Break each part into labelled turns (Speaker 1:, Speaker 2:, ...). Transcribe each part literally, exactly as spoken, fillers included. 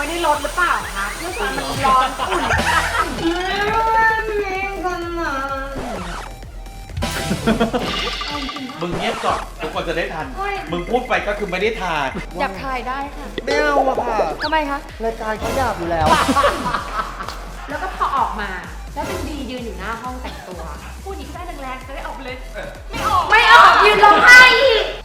Speaker 1: ว้ในรถหรือเปล่าคะเพื่อความมันร้อนอุ่น
Speaker 2: มึงเงียบก่อนทุกคนจะได้ทัน มึงพูดไปก็คือไม่ได้ทาน
Speaker 1: หยาบคายได้ค่ะ
Speaker 3: ไม่เอาอะค่ะ
Speaker 1: ทำไมคะ
Speaker 3: รายการเขาหยาบอยู่แล้ว
Speaker 1: แล้วก็พอออกมาแล้วเป็นดียืนอยู่หน้าห้องแต่งตัวพูดอีกได้แรงๆจะได้ออกเลย ไม่ออกไม่ออกยืนร้องไห้อีก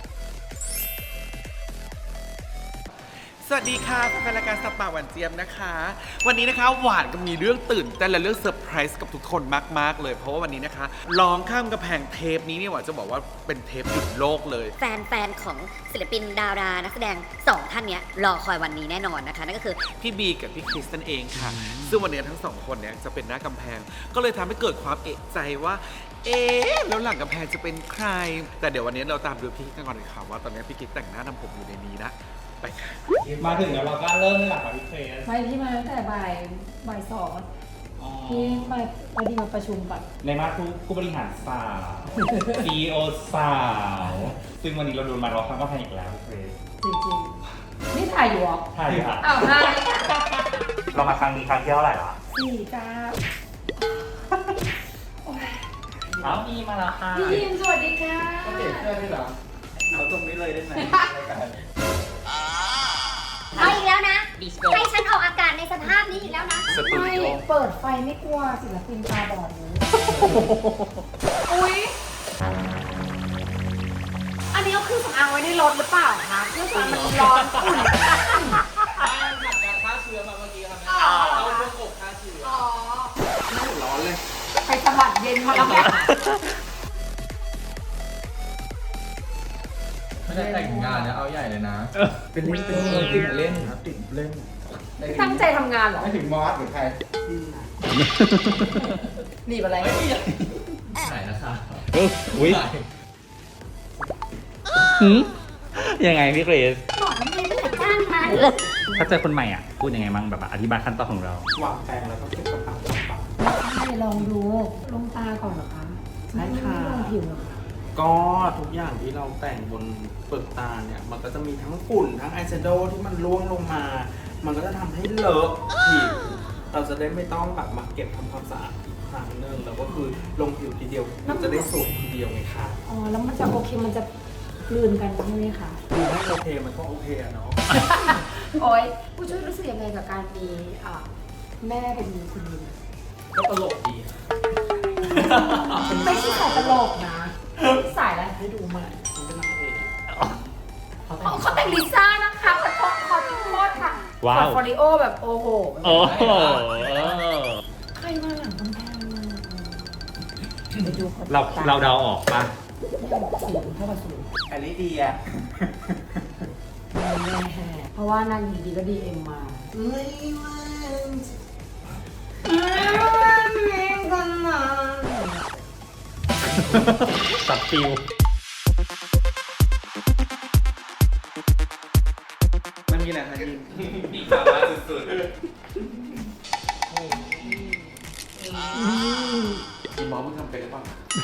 Speaker 2: สวัสดีค่ะแฟนรายการสปาหวานเจี๊ยบนะคะ วันนี้นะคะหวานก็มีเรื่องตื่นเต้นและเรื่องเซอร์ไพรส์กับทุกคนมากๆเลยเพราะว่าวันนี้นะคะร้องข้ามกระแพงเทปนี้เนี่ยหวานจะบอกว่าเป็นเทปหยุดโลกเลย
Speaker 4: แฟนๆ ของศิลปินดารานักแสดงสองท่านเนี้ยรอคอยวันนี้แน่นอนนะคะนั่นก็คือ
Speaker 2: พี่บีกับพี่คริสตันเองค่ะ ซึ่งวันนี้ทั้งสองคนเนี่ยจะเป็นหน้ากำแพง ก็เลยทำให้เกิดความเอะใจว่า เอ๊ะแล้วหลังกำแพงจะเป็นใคร แต่เดี๋ยววันนี้เราตามดูพี่กิ๊กกันก่อนเลยค่ะว่าตอนนี้พี่กิ๊กแต่งหน้าทำผมอยู่ในนี้นะไปค่ะ
Speaker 5: มาถึงแล้วเราก็เริ่มเลยหลักกับพี่เฟส
Speaker 6: ไม่ที่มาตั้งแต่บ่ายบ่ายสองที่มาพอดีมาประชุมก่อน
Speaker 5: ในมาผู้ผู้บริหารสาว ซี อี โอ สาว ซึ่งวันนี้เราโดนมาเราครั้งก็แพงอีกแล้วพี่เฟส
Speaker 6: จริงๆ นี่ถ่ายอยู่เหรอ
Speaker 5: ใช่ค่ะ
Speaker 6: อ้าวถ่าย
Speaker 5: เรามาครั้งนี้ครั้งที่เท่าไหร่ละ
Speaker 6: สี่จ้า
Speaker 5: เอามีมาแล้วค่ะ
Speaker 6: พี่ยิมสวัสดีค่ะ
Speaker 3: เปลี่ยนเสื้อด้วยเหรอเอาตรงนี้เลยได้ไหม
Speaker 4: เอาอีกแล้วนะ ให้ฉันออกอากาศในสภาพนี้อีกแล้วนะ
Speaker 2: สตู
Speaker 6: ไม่
Speaker 2: ดิโอ
Speaker 6: เปิดไฟไม่กลัวศิลปินตาบอดเลย
Speaker 1: อุ๊ยอันนี้เอาเครื่องสำอางไว้ในรถหรือเปล่าคะเพื่อความมันร้อนอุ่น
Speaker 3: ฆ่าเชื้อมาเมื่อกี้ครับ
Speaker 1: อ๋อ
Speaker 3: เราเครื่องอบฆ่าเชื้อ
Speaker 1: อ๋อ
Speaker 3: ร้อนเลย
Speaker 1: ไปสะบัดเย็นมาแล้วเนี่ย
Speaker 3: ไม่ได้แต่งงานนะเอาใหญ่เลยนะ เป็นเล่นเป็นเล่นติดเล่นครับติดเล่น
Speaker 1: ตั้งใจทำงานเหรอ
Speaker 3: ไม่ถึงมอสหรือใคร
Speaker 6: หนีบอะไร
Speaker 3: ไหนนะคะ
Speaker 5: อุ้ยยังไงพี่เกรซ
Speaker 4: บอกทำไมไม่จัดจ้านมัน
Speaker 5: ถ้าเจอคนใหม่อ่ะ พูดยังไงบ้างแบบอธิบายขั้นตอนของเรา
Speaker 3: วางแปรงแล้วก็เก็บกระเป๋ากระเป๋า
Speaker 6: ใช่ลองดูลงตาก่อนเหรอคะ
Speaker 3: ใช่ค่ะ
Speaker 6: ไม่ลงผิวเหรอคะ
Speaker 3: ก็ทุกอย่างที่เราแต่งบนเปลือกตาเนี่ย มันก็จะมีทั้งฝุ่นทั้งไอแชโดว์ที่มันร่วงลงมา มันก็จะทำให้เลอะผิว เราจะได้ไม่ต้องแบบมาเก็บทำความสะอาดอีกครั้งหนึ่งแล้วก็คือลงผิวทีเดียวมันจะได้สวยทีเดียวไงคะ
Speaker 6: อ๋อแล้วมันจะโอเคมันจะกลืนกันใช่ไหมคะ
Speaker 3: ดูให้โอเคมันก็โอเคอะเนาะ
Speaker 6: โอ้ยผู้ช่วยรู้สึกยังไงกับการมีอ่าแม่เป็นคุณยิม
Speaker 3: ก็ตลกดีอะ
Speaker 6: ไม่ใช่สายตลกนะสายอะไรให้ดูมา
Speaker 3: มันเป็นนางเอก
Speaker 6: อ๋อเขาแต่งลิซ่านะคะขอโทษขอโทษค่ะ
Speaker 5: ว้าว
Speaker 6: ฟอริโอแบบโอ้โห
Speaker 5: โอ้โห
Speaker 6: ใครมาหลังกำแพงมาไปดูขน
Speaker 5: เรา
Speaker 6: ต
Speaker 5: เราเดาออกปะ
Speaker 6: สูงเท่ากับสูง
Speaker 3: อันนี้ดีอะ
Speaker 6: แน่แห่เพราะว่านางอยู่ดีก็ดีเอ็มมา
Speaker 3: ไม่วัน
Speaker 5: ตัดฟิว
Speaker 3: มันมีอะไรคะยิน
Speaker 2: มีข่าวมาสุดๆพี่หมอมึงทำเป็นหรือเปล่า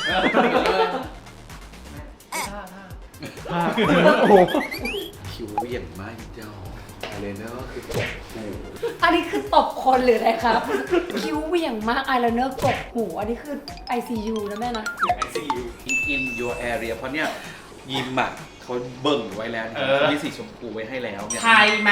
Speaker 5: โอ้โห
Speaker 2: คิวเหวี่ยงมากเจ้าอะไรเนอะคือกดหู
Speaker 6: อันนี้คือตบคนหรืออะไรครับ คิ้วเหวี่ยงมากไอายไลเนอร์กบหู อันนี้คือ ไอ ซี ยู นะแม่นะ
Speaker 2: ไอซียู in your area เพราะเนี่ยยิมอ่ะเขาเบิ่งไว้แล้วนะครับเขามีสีชมพูไว้ให้แล้วเนี่ย
Speaker 3: ใครมา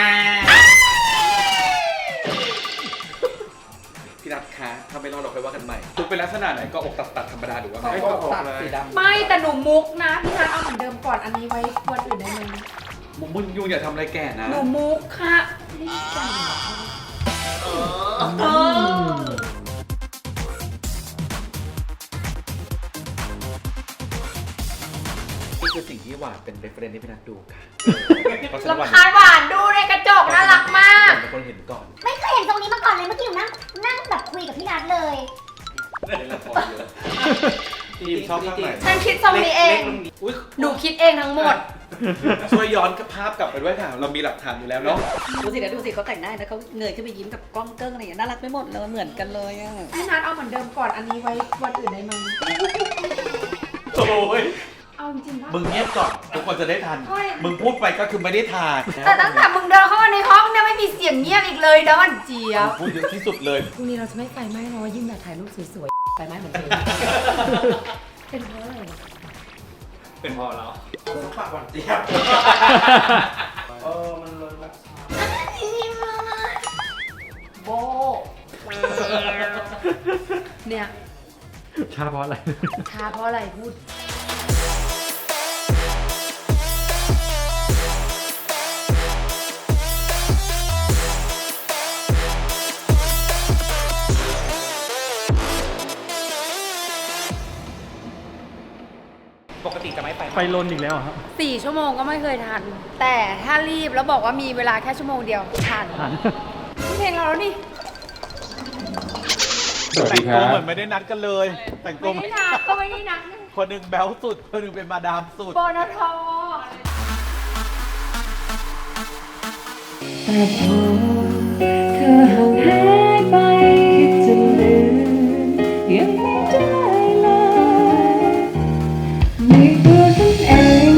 Speaker 2: พี่รัฐคะถ้าไม่รอดเราค่อยว่ากันใหม่ทุกเป็นลักษณะไหนก็อกตัดตัดธรรมดาหรือว่าไง
Speaker 3: ก็ตัดสีดำ
Speaker 6: ไม่แต่หนูมุกนะ พี่นัทเอาเหมือนเดิมก่อน อันนี้ไว้วันอื่นได้ไหม
Speaker 2: มึงมึงยูอย่าทำอะไรแก่นะ
Speaker 6: หนูมุกค่ะไม่ได้จังเหรอเออ
Speaker 2: นี่คือสิ่งที่หวานเป็นเรฟเฟรนที่พี่นัทดูค่ะเพราะฉะนั้นหวาน
Speaker 1: ลำคาญหวานดูในกระจกน่ารักมาก
Speaker 2: เป็นคนเห็นก่อน
Speaker 4: ไม่เคยเห็นตรงนี้มาก่อนเลยเมื่อกี้หนูนั่งนั่งแบบคุยกับพี่นัทเลย
Speaker 2: เล่นละครเยอะยิมชอบข้างไหน
Speaker 1: ฉันคิดทรงนี้เอง
Speaker 2: อุ๊ย
Speaker 1: หนูคิดเองทั้งหมด
Speaker 2: ช่วยย้อนภาพกลับไปด้วยค่ะ เรามีหลักฐานอยู่แล้วเนาะ
Speaker 7: ดูสิเดี๋ยวดูสิเขาแต่งหน้าแล้วเขาเงยขึ้นไปยิ้มกับกล้องเกิ้งอะไรอย่างเงี้ยน่ารักไปหมดเลยเหมือนกันเลยอ่ะ
Speaker 6: พี่นัทเอาเหมือนเดิมก่อน อันนี้ไว้วันอื่นได้ไหม
Speaker 2: โอ้ย
Speaker 6: เอาจริงๆป่ะ
Speaker 2: มึงเงียบก่อนทุกคนจะได้ทัน มึงพูดไปก็คือไม่ได้ทาน
Speaker 1: แต่ตั้งแต่มึงเดินเข้ามาในห้องเนี่ยไม่มีเสียง
Speaker 6: อย่างเงียบอีกเลยดอนเจี๊ยบ
Speaker 2: พูดเยอะที่สุดเลย
Speaker 6: พรุ่งนี้เราจะไม่ไฟไหม้เนาะยิ่งอยากถ่ายรูปสวยๆไฟไหม้เหมือนเดิมเป็นเพราะอะไรวะ
Speaker 5: เป็นพอแล้ว
Speaker 3: ปากหวานเจี๊ยบ เออ มันเลยแบบ
Speaker 6: โบเนี่ย
Speaker 5: ชาเพราะอะไร
Speaker 6: ช้าเพราะอะไรพูด
Speaker 5: ปกติจะไม่ไปไฟลนอีกแล้วครับ
Speaker 6: สี่ชั่วโมงก็ไม่เคยทัน แต่ถ้ารีบแล้วบอกว่ามีเวลาแค่ชั่วโมงเดียวทันนี่เพลงเราแล้วนี่
Speaker 5: สวัส
Speaker 2: แต่
Speaker 5: ดี
Speaker 2: ง
Speaker 5: ค
Speaker 2: ตั
Speaker 5: รั
Speaker 2: ว
Speaker 5: บ
Speaker 2: เหมือนไม่ได้นัดกันเลย แต่งตัว
Speaker 6: ไม่ได้นัดก็ไม่ได้นัด
Speaker 2: คนหนึ่งแบ๊วสุด คนหนึ่งเป็นมาดามสุด
Speaker 6: ปนท
Speaker 8: แต่พอเธอห่างหายไปคิดจะลืมยังไม่ได้เลยในตัวฉันเอง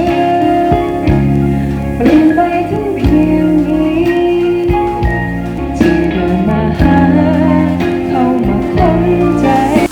Speaker 8: เปลี่ยนไปถึงเพียงนี้ที่เดินมาหาเข้ามาค้นใจ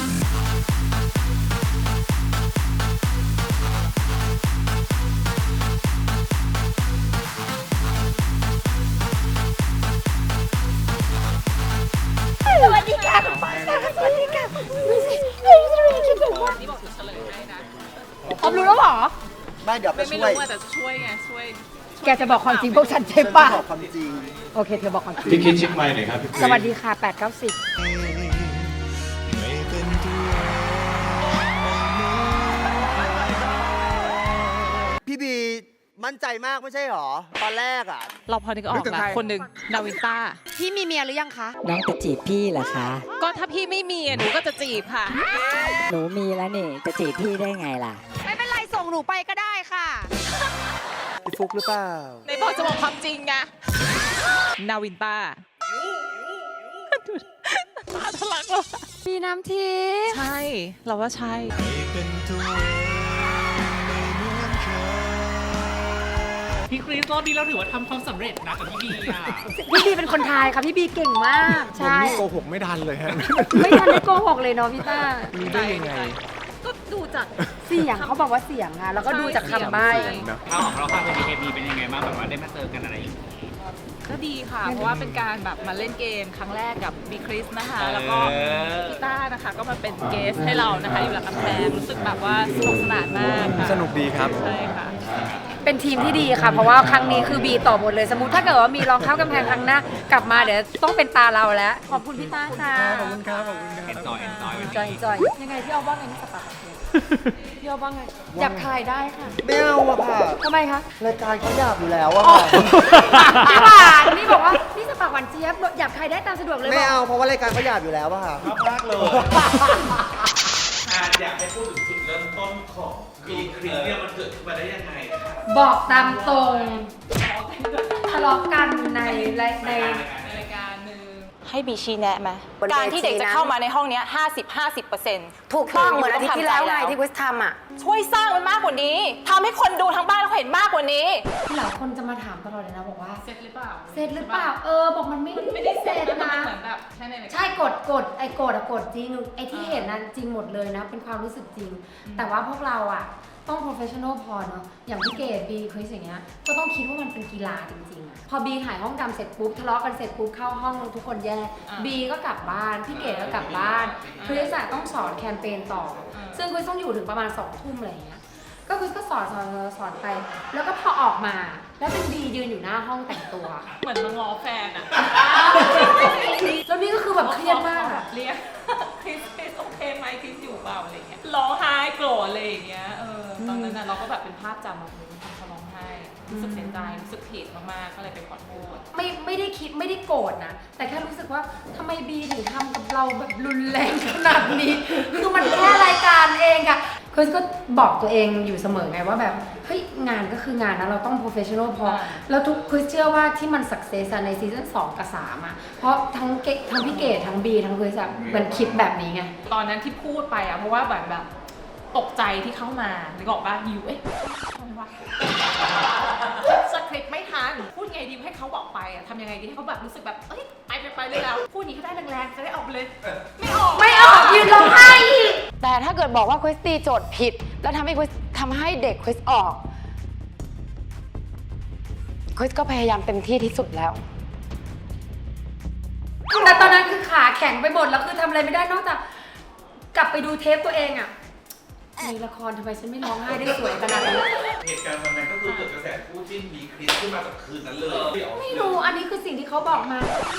Speaker 6: สวัสดีค่ะคุณป้าค่ะสวัสดีค่ะไม่ใช่ไม่ใช่คิดถูกว่านี่บอกจะเฉลยให้นะพร้อมรู้แล้วเหรอ
Speaker 9: ไม่เดี๋ยวไป
Speaker 10: ไม่
Speaker 9: ช่วย
Speaker 10: รู้ว่าแต่จะช่วยไงช่วย
Speaker 6: แกจะบอกความจริงพวกฉันใช่
Speaker 9: ฉัน
Speaker 6: ปะ
Speaker 9: จะบอกความจริง
Speaker 6: โอเคเธอบอกความจริง
Speaker 5: พี่คิดชิคไมค์หน่อยครับพี่
Speaker 6: สวัสดีค่ะแปดเก้าสิบ
Speaker 9: พี่บีมั่นใจมากไม่ใช่หรอ ตอนแรกอ่ะ
Speaker 10: เราพอนึกออกแล้วคนหนึ่งนาวินต้า
Speaker 6: พี่มีเมียหรือยังคะ
Speaker 11: น้องจะจีบพี่เหรอคะ
Speaker 10: ก็ถ้าพี่ไม่มีอ่ะหนูก็จะจีบค่ะ
Speaker 11: หนูมีแล้วนี่ จะจีบพี่ได้ไงล่ะ
Speaker 6: ไม่เป็นไรส่งหนูไปก็ได้ค่ะ
Speaker 9: พี่ฟุกหรือเปล่า
Speaker 10: ในบอกจะบอกความจริงไงนาวินต้าตาทะลักเลย
Speaker 6: มีน้ำทิพย์
Speaker 10: ใช่ เราว่าใช่
Speaker 5: พี่คริสรอบนี้เราถือว่าทำความสำเร็จนะกับพี่บีอ่ะ
Speaker 6: พี่บีเป็นคนไทยค่ะพี่บีเก่งมากใช่
Speaker 2: โกหกไม่ทันเลยฮะ
Speaker 6: ไม่ทันได้โกหกเลยเนาะพี่ต้า
Speaker 2: รู้ได้ยังไง
Speaker 10: ก็ดูจาก
Speaker 6: เสียงเขาบอกว่าเสียงอะแล้วก็ดูจากคำใบ้
Speaker 5: ข้าวของเราข้าวเป็นบีเคบีเป็นยังไงบ้างแบบว่าได้มาเจอกันอะไรอย่างเงี้ย
Speaker 10: ก็ดีค่ะ เพราะว่าเป็นการแบบมาเล่นเกมครั้งแรกกับบีคริสนะคะ แล้วก็
Speaker 5: เออ
Speaker 10: พี่ต้านะคะก็มาเป็นเกสให้เรานะคะอยู่หลังกำแพงรู้สึกแบบว่าสนุกสนานมากค่ะ
Speaker 2: สนุกดีครับ
Speaker 10: ใช่ค่ะ
Speaker 6: เป็นทีมที่ดีค่ะ เพราะว่าครั้งนี้คือบีต่อหมดเลยสมมติถ้าเกิดว่ามีรองเข้ากำแพงครั้งหน้ากลับมาเดี๋ยวต้องเป็นตาเราแล้ว ขอบคุณพี่ต้าค่ะ
Speaker 2: ขอบคุณครับ ขอบคุณครับ
Speaker 5: เอ็นจอยเอ็นจอย
Speaker 6: จอยจอยยังไงพี่เอาว่าไงนี่สปาพี่เอาว่าไงอยากถ่ายได้ค่ะ
Speaker 9: ไม่เอาอะค่ะ
Speaker 6: ทำไมคะ
Speaker 9: รายการเขาหยาบอยู่แล้วอะ
Speaker 6: อ๋อ
Speaker 9: ค่ะ
Speaker 6: พี่หวานนี่บอกว่านี่สปากหวานเจี๊ยบอยากถ่ายได้ตามสะดวกเลย
Speaker 9: ไม่
Speaker 6: บ
Speaker 9: เอา
Speaker 6: อก
Speaker 9: เพราะว่ารายการเขาหยาบอยู่แล้วอะค่ะ
Speaker 2: มากเลยอาจอยากให้พูดถึงจุดเริ่มต้นของบีคริสเนี่ยมันเกิดขึ้นมาได้ยังไงครับ
Speaker 6: บอกตามตรงทะเลาะกันในในใน
Speaker 10: รายการหนึ่ง
Speaker 12: ให้บีชี้แนะไหม
Speaker 6: บนเวที
Speaker 12: การที่เด็กจะเข้ามาในห้องเนี้ห้าสิบ ห้าสิบเปอร์เซ็นต์
Speaker 6: ถูกต้องเหมือนอาทิตย์ที่แล้วไงที่กุสทำอ่ะ
Speaker 12: ช่วยสร้างมันมากกว่านี้ทำให้คนดูทั้งบ้านเขาเห็นมากกว่านี้
Speaker 6: หลายคนจะมาถามตลอดเลยนะบอกว่า
Speaker 10: เสร็จหรือเปล่า
Speaker 6: เสร็จหรือเปล่าเออบอกมันไม่ไม่ได้เสร็จ
Speaker 10: แล้วมัน
Speaker 6: นะ
Speaker 10: เหมือนแบบแค่ในรายการ
Speaker 6: ใช่กดกดไอ้กดอะกดจริงไอ้ที่เห็นนั้นจริงหมดเลยนะ เป็นความรู้สึกจริง แต่ว่าพวกเราอะต้อง professional พอเนาะอย่างพี่เกดบีคริสอย่างเงี้ยก็ต้องคิดว่ามันเป็นกีฬาจริงๆอะพอบีหายห้องดำเสร็จปุ๊บทะเลาะกันเสร็จปุ๊บเข้าห้องทุกคนแยกบีก็กลับบ้านพี่เกดก็กลับบ้านคริสอะต้องสอนแคมเปญต่อ ซึ่งคริสต้องอยู่ถึงประมาณสองทุ่มอะไรอย่างเงี้ยก็คริสก็สอนสอนสอนไป แล้วก็พอออกมาแล้วเป็นบียืนอยู่หน้าห้องแต่งตัว
Speaker 10: เหมือนมาง้อแฟนอะ
Speaker 6: แล้วนี่ก็คือแบบเครียดมาก
Speaker 10: แบ
Speaker 6: อะ
Speaker 10: บเรียกคริสคริสโอเคไหมคริสอยู่เปล่าอะไรเงี้ยร้องไห้โกรธอะไรอย่างเงี้ยเออตอนนั้นน่ะเราก็แบบเป็นภาพจำแบบนี้ทำเขาร้องไห้รู้สึกเสียใจรู้สึกผิดมากๆก็เลยไปขอโทษ
Speaker 6: ไม่ไม่ได้คิดไม่ได้โกรธนะ แต่แค่รู้สึกว่าทำไมบีถึงทำกับเราแบบรุนแรงขนาดนี้ คือมันแค่รายการเองอะคริสก็บอกตัวเองอยู่เสมอไงว่าแบบเฮ้ยงานก็คืองานนะเราต้อง professional พอ แล้วทุกคริสเชื่อว่าที่มัน success อะในซีซั่นสองกับสามอะเพราะทั้งเกทั้งพี่เกดทั้งบีทั้งคริสอะมันคิดแบบนี้ไง
Speaker 10: ตอนนั้นที่พูดไปอะเพราะว่าแบบแบบตกใจที่เข้ามานึกออกป่ะยูเอ๊ะทำไมวะสคริปต์ไม่ทันพูดไงงดีให้เขาบอกไปอะทำยังไงดีให้เขาแบบรู้สึกแบบเอ้ยไปไปไปเลยแล้วพูดนี้ก็ได้แรงๆจะได้ออกไปเลยไม่ออก
Speaker 6: ไม่ออกยืนร้องไห้อีกแต่ถ้าเกิดบอกว่าคริสตีโจทย์ผิด แล้วทำให้คริสทำให้เด็กคริสออกคริสก็พยายามเต็มที่ที่สุดแล้วแต่ตอนนั้นคือขาแข็งไปหมดแล้วคือทำอะไรไม่ได้นอกจากกลับไปดูเทปตัวเองอะมีละครทำไมฉันไม่ร้องไห้ได้สวยขนาดนี้
Speaker 2: เหตุการณ์วันนั้นก็คือเกิดกระแสคู่จิ้นบีคริสขึ้นมาจากคืนนั้นเลย
Speaker 6: ไม่รู้อันนี้คือสิ่งที่เขาบอกมา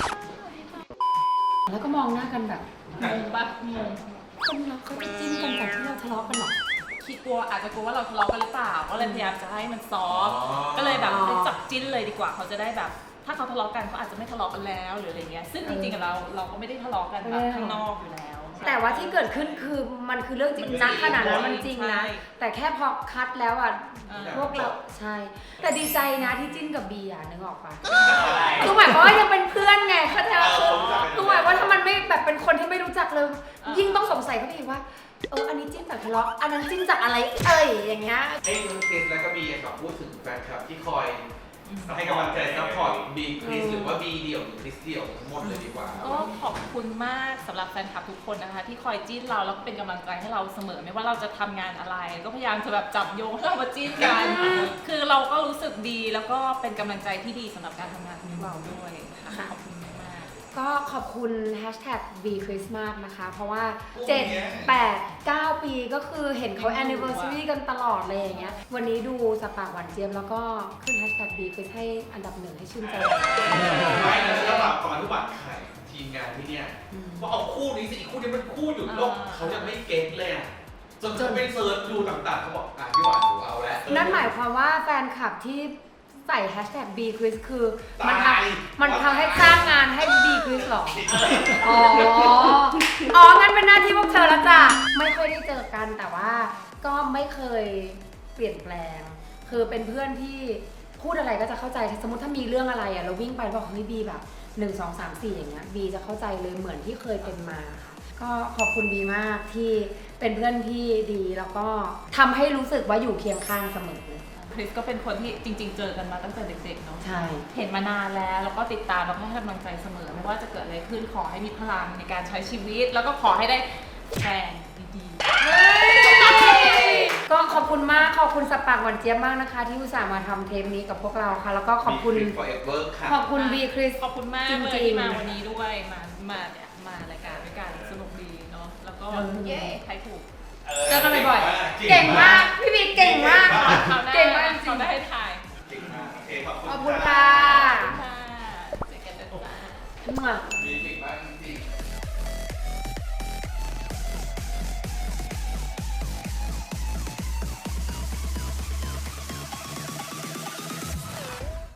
Speaker 6: แล้วก็มองหน้ากันแบบ
Speaker 10: งงปะงง
Speaker 6: คนเราเขาจะจิ้นกันแบบที่เราทะเลาะกันหรอ
Speaker 10: คิดกลัวอาจจะกลัวว่าเราทะเลาะกันหรือเปล่าก็เลยพยายามจะให้มันซอฟต์ก็เลยแบบไปจับจิ้นเลยดีกว่าเขาจะได้แบบถ้าเขาทะเลาะกันเขาอาจจะไม่ทะเลาะกันแล้วหรืออะไรเงี้ยซึ่งจริงๆกับเราเราก็ไม่ได้ทะเลาะกันแบบข้างนอกอยู่แล้ว
Speaker 6: แต่ว่าที่เกิดขึ้นคือมันคือเรื่องจริงนะขนาดนั้นมันจริงนะแต่แค่พอคัดแล้วอ่ะพวกเราใช่แต่ดีใจนะที่จิ้นกับบีอ่ะนึกออกปะคือหมายความว่ายังเป็นเพื่อนไงเข้าใจว่าคือคือหมายว่าถ้ามันไม่แบบเป็นคนที่ไม่รู้จักเลยยิ่งต้องสงสัยเขาไปอีกว่าเอออันนี้จิ้นจากทะเลาะอันนั้นจิ้นจากอะไรเอ่ยอย่างเงี้ย
Speaker 2: ให้ทั้งคริสและก็บีกับพูดถึงแฟนคลับที่คอยให้กำลังใจซัพพอร์ตบีคริสหรือว่าบีเดี่ยวหรือคริสเดี่ยวทั้งหมดเลยดีกว่า
Speaker 10: ก็ขอบคุณมากสำหรับแฟนคลับทุกคนนะคะที่คอยจิ้นเราแล้วก็เป็นกำลังใจให้เราเสมอไม่ว่าเราจะทำงานอะไรก็พยายามจะแบบจับโยงให้เรามาจิ้นกันคือเราก็รู้สึกดีแล้วก็เป็นกำลังใจที่ดีสำหรับการทำงานของเราด้วยค่ะขอบคุณมาก
Speaker 6: ก็ขอบคุณ แฮชแท็ก บี คริส มากนะคะเพราะว่าเจ็ด แปด เก้า ปีก็คือเห็นเขา แอนนิเวอร์ซารี กันตลอดเลยอย่างเงี้ยวันนี้ดูสปากหวานเจี๊ยบแล้วก็ขึ้น แฮชแท็ก บี คริส ให้อันดับหนึ่งให้ชื่นใจ
Speaker 2: ไม่นะสำหรับก่อนที่หวานไข่ทีมงานที่เนี่ยว่าเอาคู่นี้สิอีกคู่นี้มันคู่หยุดโลกเขายังไม่เก็ตเลยอ่ะจนเขาไปเซิร์ชดูต่างๆเขาบอกอ่ะพี่หวานดูเอาแล้ว
Speaker 6: นั่นหมายความว่าแฟนคลับที่ใส่แฮชแท็ก บี คริส คือมันทำมันทำให้สร้างงานให้ บี คริส หรอ อ๋อ อ๋อ งั้นเป็นหน้าที่พวกเธอแล้วจ้ะ ไม่ค่อยได้เจอกันแต่ว่าก็ไม่เคยเปลี่ยนแปลง คือเป็นเพื่อนที่พูดอะไรก็จะเข้าใจ สมมติถ้ามีเรื่องอะไรอ่ะเราวิ่งไปบอกเฮ้ยบีแบบหนึ่ง สอง สาม สี่อย่างเงี้ยบีจะเข้าใจเลยเหมือนที่เคยเป็นมาค่ะก็ขอบคุณบีมากที่เป็นเพื่อนที่ดีแล้วก็ทำให้รู้สึกว่าอยู่เคียงข้างเสมอ
Speaker 10: คริสก็เป็นคนที่จริงๆเจอกันมาตั้งแต่เด็กๆเนาะ
Speaker 6: ใช่
Speaker 10: เห็นมานานแล้วแล้วก็ติดตามแล้วก็ให้กำลังใจเสมอไม่ว่าจะเกิดอะไรขึ้นขอให้มีพลังในการใช้ชีวิตแล้วก็ขอให้ได้แฟนดี
Speaker 6: ๆก็ขอบคุณมากขอบคุณสปากหวานเจี๊ยบมากนะคะที่อุตส่าห์มาทำเทปนี้กับพวกเราค่ะแล้วก็ขอบคุณขอบคุณบีคริส
Speaker 10: ขอบคุณมากเลยที่มาวันนี้ด้วยมามาเนี่ยมารายการด้วยกันสนุกดีเนาะแล้วก็เย้ใครถูก
Speaker 6: เจอกันบ่อยๆเก่งมากพี่บีเก่งมาก
Speaker 10: เก่งมากจริงเขาได้ให้ถ่าย
Speaker 2: เก่งมากโอเคขอบคุณ
Speaker 6: ขอบคุณค่ะ
Speaker 10: เจอกันจ้า
Speaker 2: บีเก่งมากจริง